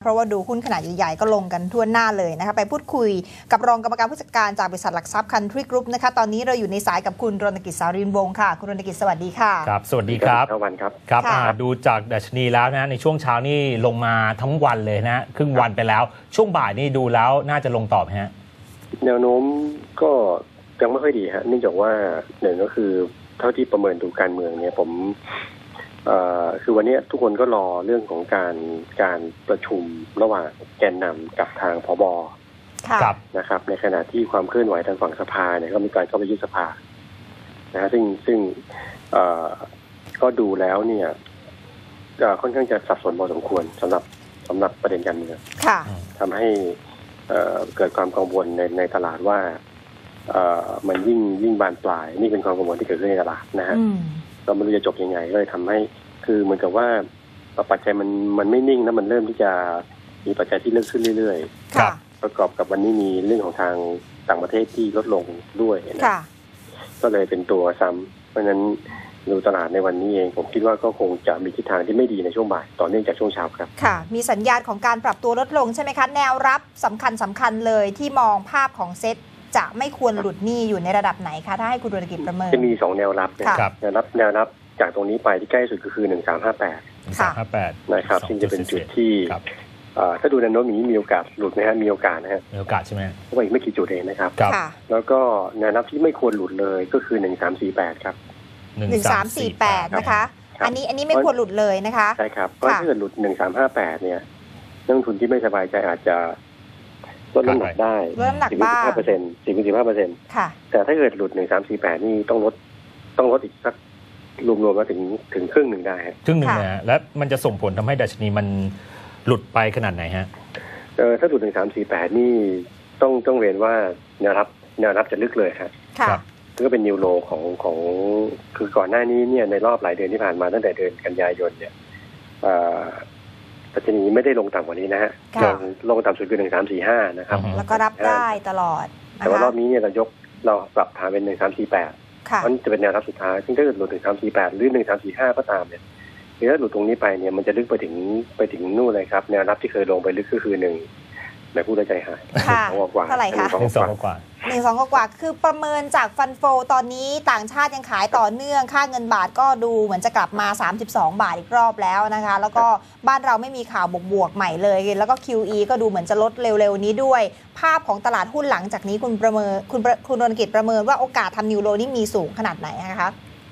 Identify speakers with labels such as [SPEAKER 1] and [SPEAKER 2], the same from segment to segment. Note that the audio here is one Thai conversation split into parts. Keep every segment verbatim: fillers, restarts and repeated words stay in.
[SPEAKER 1] เพราะว่าดูหุ้นขนาดใหญ่ๆก็ลงกันทั่วหน้าเลยนะคะไปพูดคุยกับรองกรรมการผู้จัดการจากบริษัทหลักทรัพย์ Country Group นะคะตอนนี้เราอยู่ในสายกับคุณรณกิจ สารินวงศ์ค่ะคุณรณกิจสวัสดีค่ะ
[SPEAKER 2] ครับสวัสดีครับ
[SPEAKER 3] วันครับ
[SPEAKER 2] ครับดูจากดัชนีแล้วนะในช่วงเช้านี่ลงมาทั้งวันเลยนะครึ่งวันไปแล้วช่วงบ่ายนี่ดูแล้วน่าจะลงต่อไหมฮะ
[SPEAKER 3] แนวโน้มก็ยังไม่ค่อยดีฮะเนื่องจากว่าหนึ่งก็คือเท่าที่ประเมินดูการเมืองเนี่ยผมเอ่อคือวันนี้ทุกคนก็รอเรื่องของการการประชุมระหว่างแกนนำกับทางผบ.นะครับในขณะที่ความเคลื่อนไหวทางฝั่งสภาเนี่ยก็มีการเข้าไปยุบสภานะซึ่งซึ่งเอ่อก็ดูแล้วเนี่ยค่อนข้างจะสับสนพอสมควรสำหรับสำหรับประเด็นการเมืองทำให้เอ่อเกิดความกังวลในในตลาดว่าเอ่อมันยิ่งยิ่งบานปลายนี่เป็นความกังวลที่เกิดขึ้นในตลาดนะฮะเราไม่รู้จะจบยังไงก็เลยทำให้คือเหมือนกับว่าปัจจัยมันมันไม่นิ่งนะมันเริ่มที่จะมีปัจจัยที่เริ่มขึ้นเรื่อยๆประกอบกับวันนี้มีเรื่องของทางต่างประเทศที่ลดลงด้วยนะก็เลยเป็นตัวซ้ำเพราะฉะนั้นดูตลาดในวันนี้เองผมคิดว่าก็คงจะมีทิศทางที่ไม่ดีในช่วงบ่ายต่อเนื่องจากช่วงเช้าครับ
[SPEAKER 1] ค่ะมีสัญญาณของการปรับตัวลดลงใช่ไหมคะแนวรับสำคัญสำคัญเลยที่มองภาพของเซ็ตจะไม่ควรหลุดหนี้อยู่ในระดับไหนคะถ้าให้คุณรณกิจประเมิน
[SPEAKER 3] จะมีสองแนวรับนะครับแนวรับแนวรับจากตรงนี้ไปที่ใกล้สุดก็คือหนึ่งสามห้าแปดนะครับซึ่งจะเป็นจุดที่ถ้าดูแนวโน้มอย่างนี้มีโอกาสหลุดไหมฮะมีโอกาสนะฮะ
[SPEAKER 2] มีโอกาสใช่ไหม
[SPEAKER 3] เพราะว่าอีกไม่กี่จุดเองนะครับแล้วก็แนวรับที่ไม่ควรหลุดเลยก็คือหนึ่งสามสี่แปดครับ
[SPEAKER 1] หนึ่งสามสี่แปดนะคะอันนี้อันนี้ไม่ควรหลุดเลยนะคะ
[SPEAKER 3] ใช่ครับเพราะถ้าเกิดหลุดหนึ่งสามห้าแปดเนี่ยนักลงทุนที่ไม่สบายใจอาจจะลดน้ำหนักได้
[SPEAKER 1] ลดน้ำหนักบ้าง
[SPEAKER 3] สิบห้าเปอร์เซ็นต์สิบสิบห้าเปอร์เซ็นต์
[SPEAKER 1] ค่ะ
[SPEAKER 3] แต่ถ้าเกิดหลุดหนึ่งสามสี่แปดนี่ต้องลดต้องลดอีกสักรวมๆมาถึงถึงครึ่งหนึ่งได้
[SPEAKER 2] ครึ่งหนึ่งนะแล้วมันจะส่งผลทำให้ดัชนีมันหลุดไปขนาดไหนฮะ
[SPEAKER 3] เออถ้าหลุดหนึ่งสามสี่แปดนี่ต้องต้องเรียนว่าแนวรับแนวรับจะลึกเลยครับ
[SPEAKER 1] ค่ะ
[SPEAKER 3] ก็เป็นนิวโลของของคือก่อนหน้านี้เนี่ยในรอบหลายเดือนที่ผ่านมาตั้งแต่เดือนกันยายนเนี่ยดัชนีไม่ได้ลงต่ำกว่านี้นะฮะลงลงต่ำสุดคือหนึ่งสามสี่ห้านะครับ
[SPEAKER 1] แล้วก็รับได้ตลอด
[SPEAKER 3] แต่ว่ารอบนี้เนี่ยเรายกเราปรับฐานเป็นหนึ่งสามสี่แปดมันจะเป็นแนวรับสุดท้ายซึ่งถ้าเกิดหลุดหนึ่งสามสี่แปดหรือหนึ่งสามสี่ห้าก็ตามเนี่ยถ้าหลุดตรงนี้ไปเนี่ยมันจะลึกไปถึงไปถึงนู่นเลยครับแนวรับที่เคยลงไปลึกก็คือหนึ่งแบบผู้ใจหาย
[SPEAKER 1] กว่าเท่าไหร่คะ
[SPEAKER 2] หนึ่งสองกว่า
[SPEAKER 1] หนึ่งสองกว่าคือประเมินจากฟันโฟตอนนี้ต่างชาติยังขายต่อเนื่องค่าเงินบาทก็ดูเหมือนจะกลับมาสามสิบสองบาทอีกรอบแล้วนะคะแล้วก็บ้านเราไม่มีข่าวบวกๆใหม่เลยแล้วก็ คิว อี ก็ดูเหมือนจะลดเร็วๆนี้ด้วยภาพของตลาดหุ้นหลังจากนี้คุณประเมินคุณคุณรณกิจประเมินว่าโอกาสทำนิวโรนี่มีสูงขนาดไหนนะคะ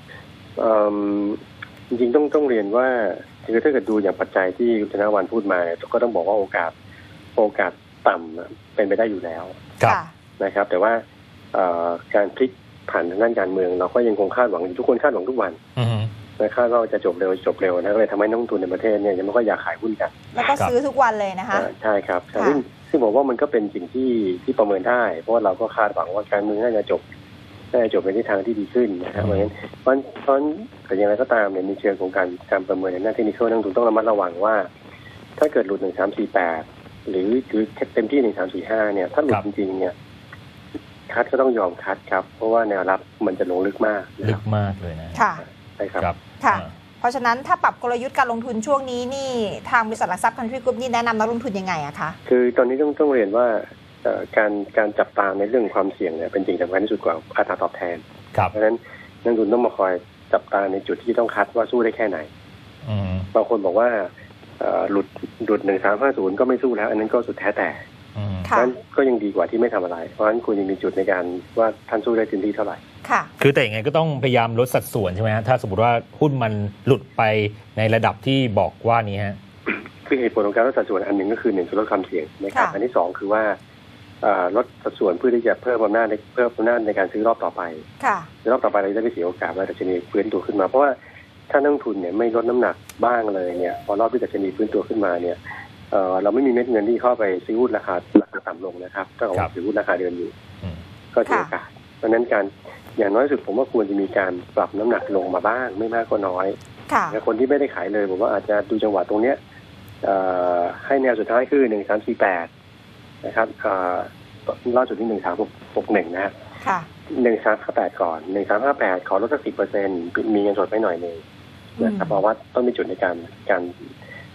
[SPEAKER 3] จริงๆต้องต้องเรียนว่าคือถ้าเกิดดูอย่างปัจจัยที่คุณธนวันพูดมาก็ต้องบอกว่าโอกาสโอกาสต่ำเป็นไปได้อยู่แล้วนะครับแต่ว่าการพลิกผ่านทางด้านการเมืองเราก็ยังคงคาดหวังทุกคนคาดหวังทุกวันนะคาดว่าจะจบเร็วจบเร็วนะก็เลยทำให้นักลงทุนในประเทศเนี่ยยังไม่ค่อยอยากขายหุ้นกัน
[SPEAKER 1] แล้วก็ซื้อทุกวันเลยนะคะ
[SPEAKER 3] ใช่ครับซึ่งซึ่งบอกว่ามันก็เป็นสิ่งที่ที่ประเมินได้เพราะว่าเราก็คาดหวังว่าการเมืองน่าจะจบน่าจะจบในทิศทางที่ดีขึ้นนะครับเพราะฉะนั้นเพราะเพราะแต่อย่างไรก็ตามเนี่ยในเชิงของการการประเมินในหน้าเทคนิคนักลงทุนต้องระมัดระวังว่าถ้าเกิดหลุดหนึ่งสามสี่แปดหรือหรือเต็มที่หนึ่งสามสี่ห้าเนี่ยถ้าหลุดจริงๆเนี่ยคัดก็ต้องยอมคัดครับเพราะว่าแนวรับมันจะลงลึกมาก
[SPEAKER 2] ลึกมากเลยนะ
[SPEAKER 1] ค่ะ
[SPEAKER 3] ใช่ครับ
[SPEAKER 1] ค่ะเพราะฉะนั้นถ้าปรับกลยุทธ์การลงทุนช่วงนี้นี่ทางบริษัทหลักทรัพย์ Country Group นี่แนะนำนักลงทุนยังไงอะคะ
[SPEAKER 3] คือตอนนี้ต้องต้องเรียนว่าการการจับตามในเรื่องความเสี่ยงเนี่ยเป็นสิ่งสำคัญที่สุดกว่าอัตราตอบแทนเพราะฉะนั้นนักลงทุนต้องมาคอยจับตาในจุดที่ต้องคัดว่าสู้ได้แค่ไหนบางคนบอกว่าหลุดหลุดหนึ่งสามห้าศูนย์ก็ไม่สู้แล้วอันนั้นก็สุดแท้แต่นั้นก็ยังดีกว่าที่ไม่ทำอะไรเพราะฉะนั้นคุณยังมีจุดในการว่าท่านสู้ได้เต็มที่เท่าไหร่
[SPEAKER 1] ค่ะ
[SPEAKER 2] คือแต่ยังไงก็ต้องพยายามลดสัดส่วนใช่ไหมฮะถ้าสมมติว่าหุ้นมันหลุดไปในระดับที่บอกว่านี้ฮะ
[SPEAKER 3] คือเหตุผลของการลดสัดส่วนอันหนึ่งก็คือหนึ่งคือลดความเสี่ยงนะครับอันที่สองคือว่าลดสัดส่วนเพื่อที่จะเพิ่มอำนาจในเพิ่มอำนาจในการซื้อรอบต่อไปในรอบต่อไปเราจะได้ไม่เสียโอกาสว่าดัชนีฟื้นตัวขึ้นมาเพราะว่าถ้านักลงทุนเนี่ยไม่ลดน้ำหนักบ้างเลยเนี่ยพอรอบที่ดัชนีฟื้นตัวขึ้นมาเนี่ยเอ่อเราไม่มีเม็ดเงินที่เข้าไปซื้อหุ้นราคาราคาต่ำลงนะครับถ้าเราซื้อหุ้นราคาเดิมอยู่ก็เสียโอกาสเพราะฉะนั้นการอย่างน้อยสุดผมว่าควรจะมีการปรับน้ำหนักลงมาบ้างไม่มากก็น้อยแต่คนที่ไม่ได้ขายเลยผมว่าอาจจะดูจังหวะตรงเนี้ยให้แนวสุดท้ายคือหนึ่งสามสี่แปดนะครับล่าสุดที่หนึ่งสามหกหนึ่งนะหนึ่งสามห้าแปดก่อนหนึ่งสามห้าแปดขอลดสักสิบเปอร์เซ็นต์มีเงินสดไปหน่อยนึงนะครับเพราะว่าต้องมีจุดในการการ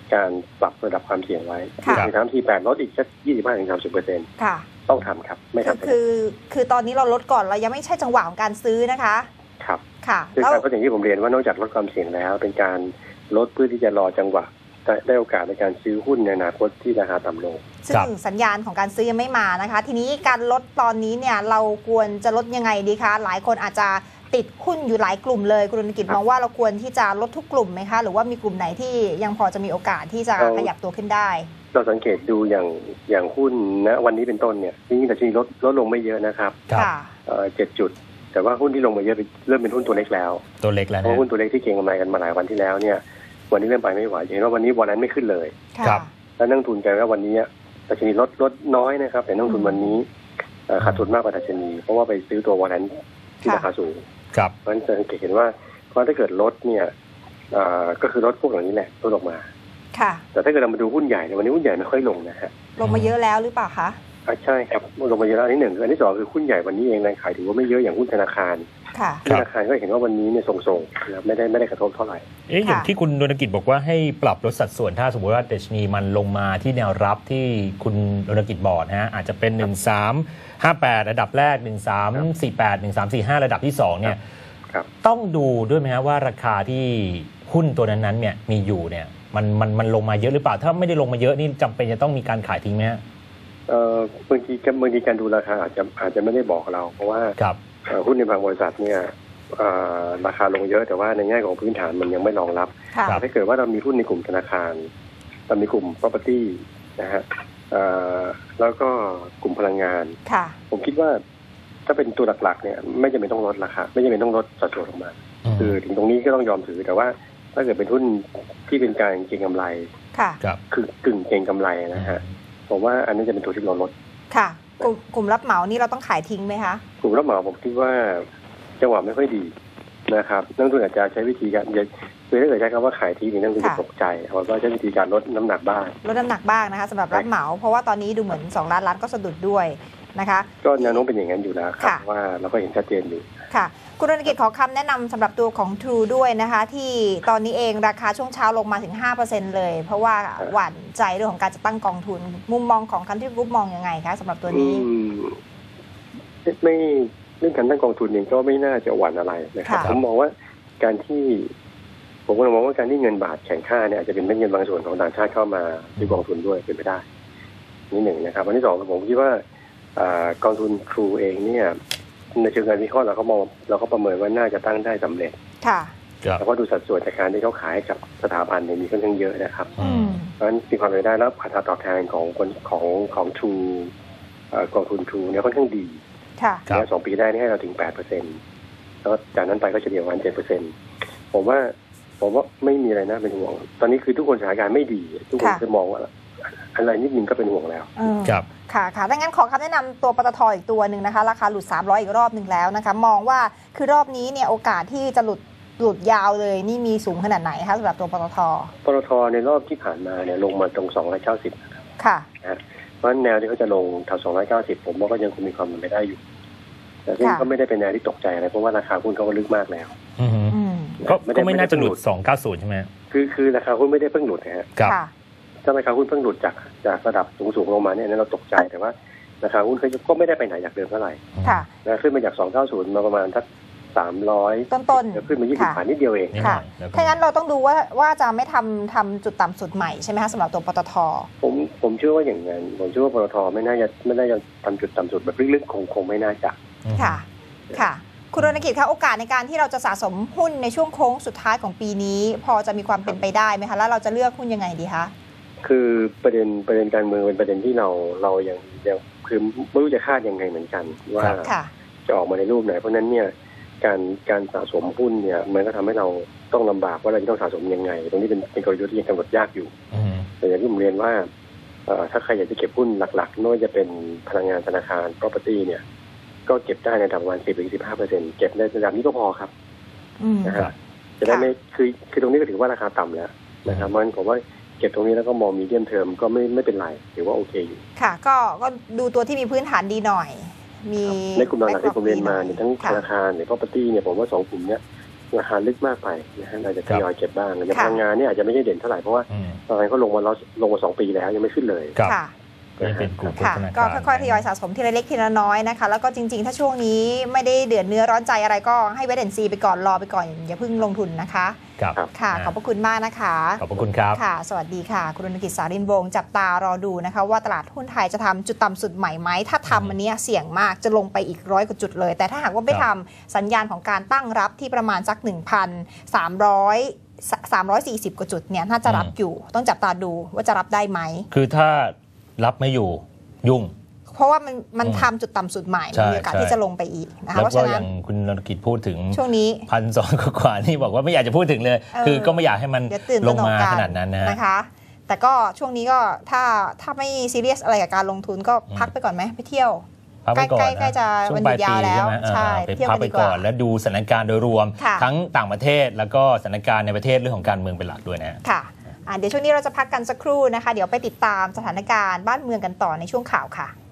[SPEAKER 3] การปรับระดับความเสี่ยงไว้
[SPEAKER 1] ค่ะ
[SPEAKER 3] ในทางที่แปดลดอีกสักยี่สิบห้าถึงสามสิบเปอร์เซ็นต์
[SPEAKER 1] ค่ะ
[SPEAKER 3] ต้องทำครับไม่
[SPEAKER 1] คือ
[SPEAKER 3] ทำ
[SPEAKER 1] คือคือตอนนี้เราลดก่อนเรายังไม่ใช่จังหวะของการซื้อนะคะ
[SPEAKER 3] ครับ
[SPEAKER 1] ค่ะ
[SPEAKER 3] คือ
[SPEAKER 1] แล้ว
[SPEAKER 3] การก็อย่างที่ผมเรียนว่านอกจากลดความเสี่ยงแล้ว เป็นการลดเพื่อที่จะรอจังหวะได้ได้โอกาสในการซื้อหุ้นในอนาคตที่ราคาต่ำลง
[SPEAKER 1] ซึ่งสัญญาณของการซื้อยังไม่มานะคะ ทีนี้การลดตอนนี้เนี่ยเราควรจะลดยังไงดีคะหลายคนอาจจะติดหุ้นอยู่หลายกลุ่มเลยคุณธนกิจ
[SPEAKER 3] ครับ
[SPEAKER 1] มองว่าเราควรที่จะลดทุกกลุ่มไหมคะหรือว่ามีกลุ่มไหนที่ยังพอจะมีโอกาสที่จะ
[SPEAKER 3] เอา
[SPEAKER 1] ขยับตัวขึ้นได้
[SPEAKER 3] เราสังเกตดูอย่างอย่างหุ้นณวันนี้เป็นต้นเนี่ยจริงๆแต่ชนีลดลดลงไม่เยอะนะครับ
[SPEAKER 2] ครับ
[SPEAKER 1] ค่ะ
[SPEAKER 3] เอ่อเจ็ดจุด แต่ว่าหุ้นที่ลงมาเยอะเริ่มเป็นหุ้นตัวเล็กแล้ว
[SPEAKER 2] ตัวเล็กแล้ว
[SPEAKER 3] เพ
[SPEAKER 2] นะ
[SPEAKER 3] ราะหุ้นตัวเล็กที่เก็งกำไรกันมาหลายวันที่แล้วเนี่ยวันนี้เริ่มไปไม่ไหวเห็นว่าวันนี้วันนั้นไม่ขึ้นเลย
[SPEAKER 1] ค่ะ
[SPEAKER 2] ครับ
[SPEAKER 3] แล้วนักลงทุนกันว่าวันนี้ดัชนีลดลดน้อยนะครับแต่นักลงทุนวันนี้เอ่อขาดทุนมากกว่าดัชนีเพราะว่าไปซื้อตัววันนั้นที่ราคาสูง
[SPEAKER 2] ครับ
[SPEAKER 3] เพราะฉะนั้นจะสังเกตเห็นว่าเพราะถ้าเกิดลดเนี่ยเอ่อก็คือลดพวกเหล่านี้แหละลดออกมา
[SPEAKER 1] ค่ะ
[SPEAKER 3] แต่ถ้าเกิดเรามาดูหุ้นใหญ่เนี่ยวันนี้หุ้นใหญ่ไม่ค่อยลงนะฮะ
[SPEAKER 1] ลงมาเยอะแล้วหรือเปล่าคะ
[SPEAKER 3] อ่ะใช่ครับลงมาเยอะแล้วอันที่หนึ่งอันที่สองคือหุ้นใหญ่วันนี้เองแรงขายถือว่าไม่เยอะอย่างหุ้นธนาคาร
[SPEAKER 1] ค่ะ
[SPEAKER 3] ธนาคารก็เห็นว่าวันนี้เนี่ยทรงๆนะครับไม่ได้ไม่ได้กระทบเท่าไหร่
[SPEAKER 2] เอ๊ะอย่าง
[SPEAKER 1] ค่ะ
[SPEAKER 2] ที่คุณดนกิจบอกว่าให้ปรับลดสัดส่วนถ้าสมมติว่าดัชนีมันลงมาที่แนวรับที่คุณดนกิจบอกนะฮะอาจจะเป็น หนึ่งสามห้าแปด ระดับแรก หนึ่งสามสี่แปด หนึ่งสามสี่ห้า ระดับที่สองเนี่ย
[SPEAKER 3] ครับ
[SPEAKER 2] ต้องดูด้วยไหมฮะว่าราคาที่หุ้นตัวนั้นๆเนี่ยมีอยู่เนี่ยมันมันมันลงมาเยอะหรือเปล่าถ้าไม่ได้ลงมาเยอะนี่จำเป็นจะต้องมีการขายทิ้งไหมฮะ
[SPEAKER 3] เอ่อบางทีบางทีการดูราคาอาจจะอาจจะไม่ได้บอกเรา เพราะว่า
[SPEAKER 2] ครับ
[SPEAKER 3] เอ่อหุ้นในบางบริษัทเนี่ยเอ่อราคาลงเยอะแต่ว่าในแง่ของพื้นฐานมันยังไม่รองรับ
[SPEAKER 1] ค่ะ
[SPEAKER 2] ครับ
[SPEAKER 3] ถ้าเกิดว่าเรามีหุ้นในกลุ่มธนาคารเรามีกลุ่ม property นะฮะเอ่อแล้วก็กลุ่มพลังงาน
[SPEAKER 1] ค่ะ
[SPEAKER 3] ผมคิดว่าถ้าเป็นตัวหลักๆเนี่ยไม่จำเป็นต้องลดราคาไม่จำเป็นต้องลดสัดส่วนออกมา คือถึงตรงนี้ก็ต้องยอมถือแต่ว่าถ้าเกิดเป็นหุ้นที่เป็นการเก็งกำไร
[SPEAKER 1] ค่ะ
[SPEAKER 2] ครับ
[SPEAKER 3] คือกึ่งเก็งกำไรนะฮะผมว่าอันนี้จะเป็นตัวที่เราลด
[SPEAKER 1] ค่ะ กลุ่มกลุ่มรับเหมานี่เราต้องขายทิ้งไหมคะ
[SPEAKER 3] กลุ่มรับเหมาผมคิดว่าจังหวะไม่ค่อยดีนะครับนักลงทุนอาจจะใช้วิธีการคือถ้าเกิดใช้คำว่าขายทิ้งนี่นักลงทุนจะ
[SPEAKER 1] ค่ะ
[SPEAKER 3] ตกใจเขาก็ใช้วิธีการลดน้ำหนักบ้าง
[SPEAKER 1] ลดน้ำหนักบ้างนะคะสำหรับรับเหมา เพราะว่าตอนนี้ดูเหมือนสองล้านล้านก็สะดุดด้วยนะคะ
[SPEAKER 3] ก็แนวโน้มเป็นอย่างนั้นอยู่แล้วครับ
[SPEAKER 1] ค่ะ
[SPEAKER 3] ว่าเราก็เห็นชัดเจนอยู่
[SPEAKER 1] ค่ะคุณธนกิจขอคำแนะนำสำหรับตัวของ True ด้วยนะคะ ที่ตอนนี้เองราคาช่วงเช้าลงมาถึง ห้าเปอร์เซ็นต์ เลย เพราะว่าหวั่นใจเรื่องของการจะตั้งกองทุน มุมมองของคันที่กรุ๊ปมองยังไงคะสำหรับตัวนี้
[SPEAKER 3] อืมไม่เรื่องการตั้งกองทุนเองก็ไม่น่าจะหวั่นอะไรนะครับ
[SPEAKER 1] ค่ะ
[SPEAKER 3] ผมมองว่าการที่ ผมก็มองว่าการที่เงินบาทแข็งค่าเนี่ยอาจจะเป็นเม็ดเงินบางส่วนของต่างชาติเข้ามาที่กองทุนด้วยเป็นไปได้นี่หนึ่งนะครับอันที่สองผมคิดว่าอ่ากองทุนทรูเองเนี่ยในเชิงการวิเคราะห์เราก็มองเราก็ประเมินว่าน่าจะตั้งได้สำเร็จ
[SPEAKER 1] ค่ะ
[SPEAKER 2] ครับ
[SPEAKER 3] แล้วก็ดูสัดส่วนจากการที่เขาขายให้กับสถาบันเนี่ยมีค่อนข้างเยอะนะครับ
[SPEAKER 1] อืม
[SPEAKER 3] เพราะฉะนั้นมีความเป็นไปได้แล้วอัตราตอบแทนของคนของของทรูกองทุนทรูเนี่ยค่อนข้างดี
[SPEAKER 1] ค่ะ
[SPEAKER 2] ครับ
[SPEAKER 3] เนี่ยสองปีได้นี่ให้เราถึงแปดเปอร์เซ็นต์แล้วจากนั้นไปก็เฉลี่ยประมาณเจ็ดเปอร์เซ็นต์ผมว่าผมว่าไม่มีอะไรน่าเป็นห่วง ตอนนี้คือทุกคนสถานการณ์ไม่ดี ทุกคน
[SPEAKER 1] ค่ะ
[SPEAKER 3] จะมองว่าอะไรนิดนึงก็เป็นห่วงแล้ว
[SPEAKER 1] เออ
[SPEAKER 2] ครับ
[SPEAKER 1] ค่ะค่ะดังนั้นขอคำแนะนำตัวปตทอีกตัวหนึ่งนะคะ ราคาหลุดสามร้อยอีกรอบหนึ่งแล้วนะคะ มองว่าคือรอบนี้เนี่ยโอกาสที่จะหลุดหลุดยาวเลยนี่มีสูงขนาดไหนคะสำหรับตัวปตท
[SPEAKER 3] ปตทในรอบที่ผ่านมาเนี่ยลงมาตรงสองร้อยเก้าสิบนะครับ
[SPEAKER 1] ค่ะ
[SPEAKER 3] นะเพราะฉะนั้นแนวที่เขาจะลงแถวสองร้อยเก้าสิบผมว่าก็ยังคงมีความเป็นไปได้อยู่ แต่ซึ่ง
[SPEAKER 1] ค่ะ
[SPEAKER 3] ก็ไม่ได้เป็นแนวที่ตกใจอะไรเพราะว่าราคาหุ้นเขาก็ลึกมากแล้ว
[SPEAKER 2] อืม
[SPEAKER 1] อืม
[SPEAKER 2] ก็
[SPEAKER 3] ไม่ได้
[SPEAKER 2] ก็ไม่น่าจะหลุด
[SPEAKER 3] ไม่ได้
[SPEAKER 2] สองเก้าศูนย์ใช่ไหมฮะ
[SPEAKER 3] คือคือราคาหุ้นไม่ได้เพิ่งหลุดนะฮะ
[SPEAKER 2] ครับ
[SPEAKER 1] ค่ะ
[SPEAKER 3] ถ้าราคาหุ้นเพิ่งหลุดจากจากระดับสูงๆลงมาเนี่ยอันนั้นเราตกใจแต่ว่าราคาหุ้นเขาก็ไม่ได้ไปไหนจากเดิมเท่าไหร่
[SPEAKER 1] ค่ะ
[SPEAKER 3] นะขึ้นมาจากสองร้อยเก้าสิบมาประมาณสักสามร้อย
[SPEAKER 1] ต้นๆ
[SPEAKER 3] แล้วขึ้นมายี่สิบ
[SPEAKER 1] ค่ะ
[SPEAKER 3] บาทนิดเดียวเอง
[SPEAKER 2] นิดหน่อยแล้วก็
[SPEAKER 1] ถ้างั้นเราต้องดูว่าว่าจะไม่ทำทำจุดต่ำสุดใหม่ใช่ไหมคะสำหรับตัวปตท
[SPEAKER 3] ผมผมเชื่อว่าอย่างนั้นผมเชื่อว่าปตทไม่น่าจะไม่น่าจะทำจุดต่ำสุดแบบลึกๆคงคงไม่น่าจะ
[SPEAKER 1] ค่ะ ค่ะ คุณรณกิจคะโอกาสในการที่เราจะสะสมหุ้นในช่วงโค้งสุดท้ายของปีนี้ พอจะมีความเป็นไปได้ไหมคะแล้วเราจะเลือกหุ้นยังไงดีคะ
[SPEAKER 3] คือประเด็นประเด็นการเมืองเป็นประเด็นที่เราเรายังยังคือไม่รู้จะคาดยังไงเหมือนกัน ว่า
[SPEAKER 1] ค่ะ
[SPEAKER 3] จะออกมาในรูปไหนเพราะฉะนั้นเนี่ยการการสะสมหุ้นเนี่ยมันก็ทำให้เราต้องลำบากว่าเราจะต้องสะสมยังไง ตรงนี้เป็นเป็นกลยุทธ์ที่ยังกำหนดยากอยู่
[SPEAKER 2] อืม
[SPEAKER 3] แต่อย่างที่ผมเรียนว่าเอ่อถ้าใครอยากจะเก็บหุ้นหลักๆไม่ว่าจะเป็นพลังงานธนาคาร property เนี่ยก็เก็บได้ในระดับประมาณสิบถึงสิบห้าเปอร์เซ็นต์เก็บในระดับนี้ก็พอครับ
[SPEAKER 1] อืม
[SPEAKER 3] นะ
[SPEAKER 2] ครั
[SPEAKER 3] ฮะ
[SPEAKER 2] บ
[SPEAKER 3] จะได้
[SPEAKER 1] ค่ะ
[SPEAKER 3] ไม่คือคือตรงนี้ก็ถือว่าราคาต่ำแล้วนะครับเพราะฉะนั้นผมว่าเก็บตรงนี้แล้วก็มองมีเดียมเทอมก็ไม่ไม่เป็นไรถือว่าโอเคอยู่
[SPEAKER 1] ค่ะ ก็ก็ดูตัวที่มีพื้นฐานดีหน่อย มี
[SPEAKER 3] ในกลุ่มหลักๆที่ผมเรียนมาเนี่ยทั้งธ
[SPEAKER 1] ค่ะ
[SPEAKER 3] นาคารหรือ property เนี่ยผมว่าสองกลุ่มเนี้ยราคาลึกมากไปนะฮะเราจะทยอยเก็บบ้างอย่างพลังงานเนี่ยอาจจะไม่ได้เด่นเท่าไหร่เพราะว่าตอนนี้เขาลงมาลงมาสองปีแล้วยังไม่ขึ้นเลย
[SPEAKER 1] ค่ะ
[SPEAKER 2] เป็นกลุ่มโภชนาการ
[SPEAKER 1] ก็ค่อยๆทยอยสะสมทีละเล็กทีละน้อยนะคะแล้วก็จริงๆถ้าช่วงนี้ไม่ได้เดือดเนื้อร้อนใจอะไรก็ให้เวทแอนซีไปก่อนรอไปก่อนอย่าเพิ่งลงทุนนะคะ
[SPEAKER 2] ครับ
[SPEAKER 1] ค่ะขอบพระคุณมากนะคะ
[SPEAKER 2] ขอบพระคุณครับ
[SPEAKER 1] ค่ะสวัสดีค่ะคุณรณกิจสารินวงศ์จับตารอดูนะคะว่าตลาดหุ้นไทยจะทำจุดต่ำสุดใหม่ไหมถ้าทำอันนี้เสี่ยงมากจะลงไปอีกร้อยกว่าจุดเลยแต่ถ้าหากว่าไม่ทำสัญญาณของการตั้งรับที่ประมาณสัก หนึ่งพันสามร้อย สามร้อยสี่สิบ กว่าจุดเนี่ยน่าจะรับอยู่ต้องจับตาดูว่าจะรับได้ไหม
[SPEAKER 2] คือถ้ารับไม่อยู่ยุ่ง
[SPEAKER 1] เพราะว่ามันมันทำจุดต่ำสุดใหม่มีโอกาสที่จะลงไปอีกนะคะ
[SPEAKER 2] เพราะฉะนั้นอย่างคุณนรกิจพูดถึง
[SPEAKER 1] ช่วงนี้
[SPEAKER 2] พันสองกว่านี่บอกว่าไม่อยากจะพูดถึงเลยคือก็ไม่อยากให้มันลงมาขนาดนั้น
[SPEAKER 1] นะคะแต่ก็ช่วงนี้ก็ถ้าถ้าไม่ซีเรียสอะไรกับการลงทุนก็พักไปก่อนไหมไปเที่ยว
[SPEAKER 2] ใกล้
[SPEAKER 1] ใกล้จะวันหยุดยาวแล้วใช่
[SPEAKER 2] ไปพักไปก่อนแล้วดูสถานการณ์โดยรวมทั้งต่างประเทศแล้วก็สถานการณ์ในประเทศเรื่องของการเมืองเป็นหลักด้วยนะ
[SPEAKER 1] ค่ะเดี๋ยวช่วงนี้เราจะพักกันสักครู่นะคะเดี๋ยวไปติดตามสถานการณ์บ้านเมืองกันต่อในช่วงข่าวค่ะ